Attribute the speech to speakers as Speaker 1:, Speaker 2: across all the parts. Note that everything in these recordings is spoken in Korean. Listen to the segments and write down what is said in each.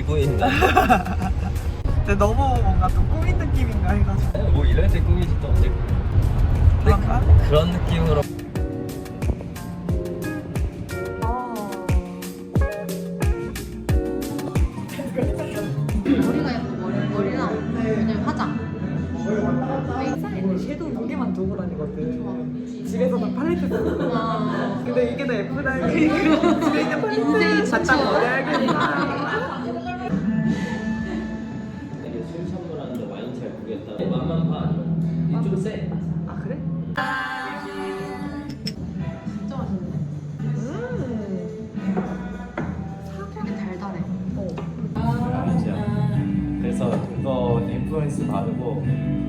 Speaker 1: 지구인가?
Speaker 2: 근데 너무 뭔가 좀 꾸민 느낌인가 해가지고.
Speaker 1: 뭐 이럴 때 꿈이지 또 언제
Speaker 2: 그런가?
Speaker 1: 그런 느낌으로.
Speaker 3: 머리가 예뻐. 머리랑 왜냐면 화장.
Speaker 2: 섀도우 두 개만 두고 다니거든. 집에서는 팔레트 쓰고.
Speaker 3: 와.
Speaker 2: 근데 이게 더 예쁘다. 집에 있는 팔레트 갖다 버려야겠다.
Speaker 1: 되게 술 선물하는데 와인 잘 모르겠다. 맛만 봐. 아니면 좀 세.
Speaker 2: 아 그래?
Speaker 3: 진짜 맛있네. 되게 달달해.
Speaker 1: 아니죠. 그래서 그거 인플루언스 받고.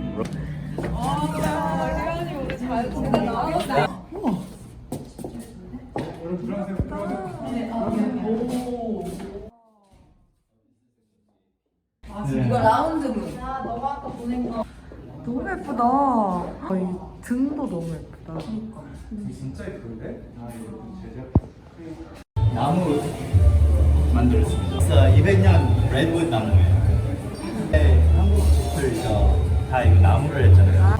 Speaker 4: 이거 라운드문.
Speaker 2: 너무 예쁘다. 이 등도 너무 예쁘다.
Speaker 5: 진짜 예쁜데? 아 이거 제작 나무 만들었습니다. 200년 레드우드 나무예요. 네, 한국 집들 다 이거 나무를 했잖아요.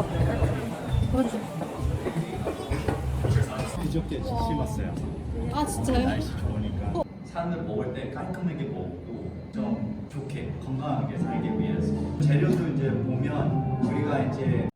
Speaker 5: 그저께 심었어요.
Speaker 3: 아 진짜요?
Speaker 5: 날씨 좋으니까 산을 먹을 때 깔끔하게 먹고 좀 좋게 건강하게 살기 위해서 재료도 이제 보면 우리가 이제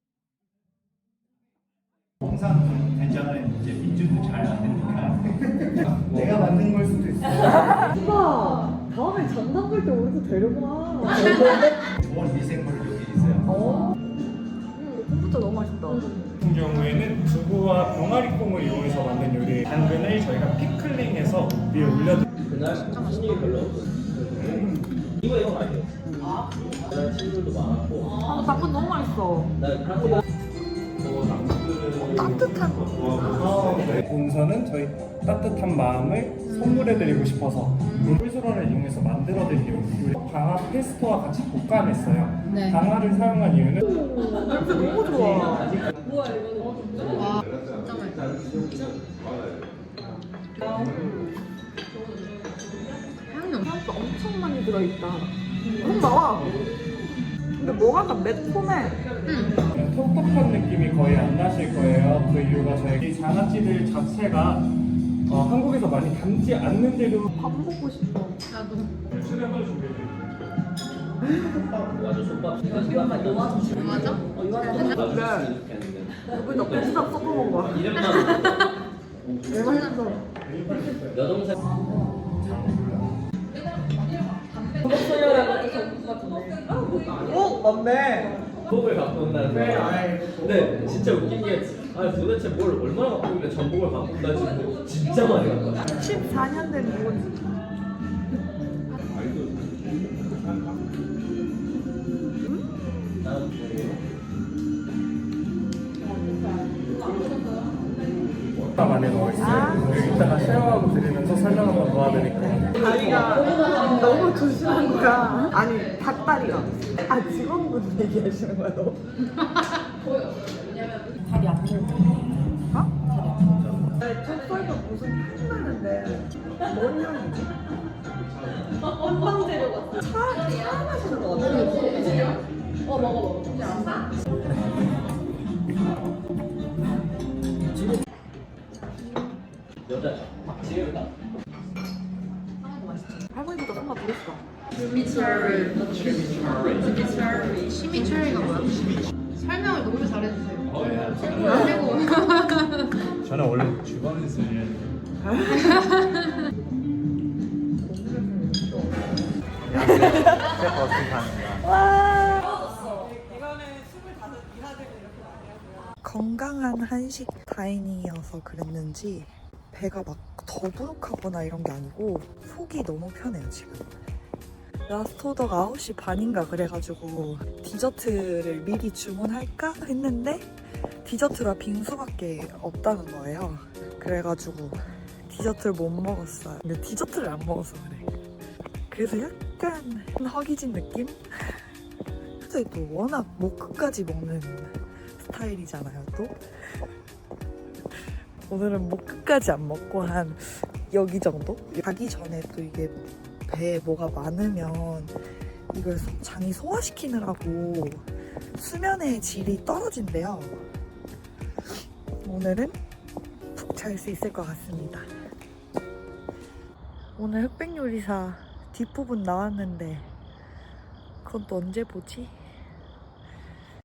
Speaker 5: 홍삼 된장은 이제 민주도 잘 안 되니까 내가 만든 걸 수도 있어.
Speaker 2: 오빠 다음에 장난 볼 때 우리도 데려가.
Speaker 5: 좋은 미생물 여기 있어요.
Speaker 2: 콤부차 너무 맛있다.
Speaker 6: 같은 경우에는 두부와 병아리콩을 이용해서 만든 요리 당근을 저희가 피클링해서 위에 올려드립니다.
Speaker 1: 그날 무슨 일이 별로 없거든. 이거 아니에요. 그날 친구들도 많았고.
Speaker 2: 당근 너무 맛있어.
Speaker 1: 나 프랑스
Speaker 2: 따뜻한.
Speaker 6: 본선은 저희 따뜻한 마음을 선물해드리고 싶어서 꿀소라를 이용해서 만들어드린 요리 방아 페스토와 같이 볶아냈어요.
Speaker 3: 네.
Speaker 6: 방아를 사용한 이유는
Speaker 2: 너무 좋아.
Speaker 3: 와 진짜 맛있어. 향이 엄청.
Speaker 2: 향도 엄청 많이 들어있다. 너무 나와. 근데 뭐가 다 매콤해.
Speaker 6: 텁텁한 느낌이 거의 안 나실 거예요. 그 이유가 저희 장아찌들 자체가 한국에서 많이 담지 않는 재료
Speaker 2: 밥 먹고 싶어.
Speaker 3: 나도.
Speaker 6: 수량을 준비해드릴게요.
Speaker 1: 맞아 솥밥 시간만 더
Speaker 3: 맞아?
Speaker 2: 그래. 여기다 고추장 섞어 먹어.
Speaker 1: 이름만
Speaker 2: 왜 맛있어?
Speaker 1: 여동생
Speaker 2: 어? 맞네.
Speaker 1: 전복을 갖고 온다는 거야. 근데 진짜 웃긴 게 도대체 뭘 얼마나 갖고 있길래 전복을 갖고 온다 지금 진짜 많이 갖고 왔어.
Speaker 2: 14년 된 누군지.
Speaker 6: 안에 넣어있어요. 이따가 쉐어하고 드리면서 설명 한번 도와드릴게요.
Speaker 2: 다리가 너무 조심한 거야. 아니 닭다리가. 아 직원분 얘기하시는 거야 너? 다리 안 들고. 어? 첫 살도 무슨 향이 나는데 뭔 향이지? 한방제로 같아. 차 마시는 거 같아. 먹어.
Speaker 1: 여자 지혜다.
Speaker 2: 할머니보다 손맛 부렸어.
Speaker 3: 시미처리가 뭐야? 설명을 너무 잘해주세요. 그리고
Speaker 5: 저는 원래 주방에서 일해요.
Speaker 2: 건강한 한식 다이닝이어서 그랬는지 배가 막 더부룩하거나 이런 게 아니고 속이 너무 편해요 지금. 라스트 오더가 9시 반인가 그래가지고 디저트를 미리 주문할까 했는데 디저트가 빙수밖에 없다는 거예요. 그래가지고 디저트를 못 먹었어요. 근데 디저트를 안 먹어서 그래. 그래서 약간 허기진 느낌? 근데 또 워낙 목 끝까지 먹는 스타일이잖아요 또. 오늘은 목 끝까지 안 먹고 한 여기 정도? 가기 전에 또 이게 배에 뭐가 많으면 이걸 장이 소화시키느라고 수면의 질이 떨어진대요. 오늘은 푹 잘 수 있을 것 같습니다. 오늘 흑백요리사 뒷부분 나왔는데 그건 또 언제 보지?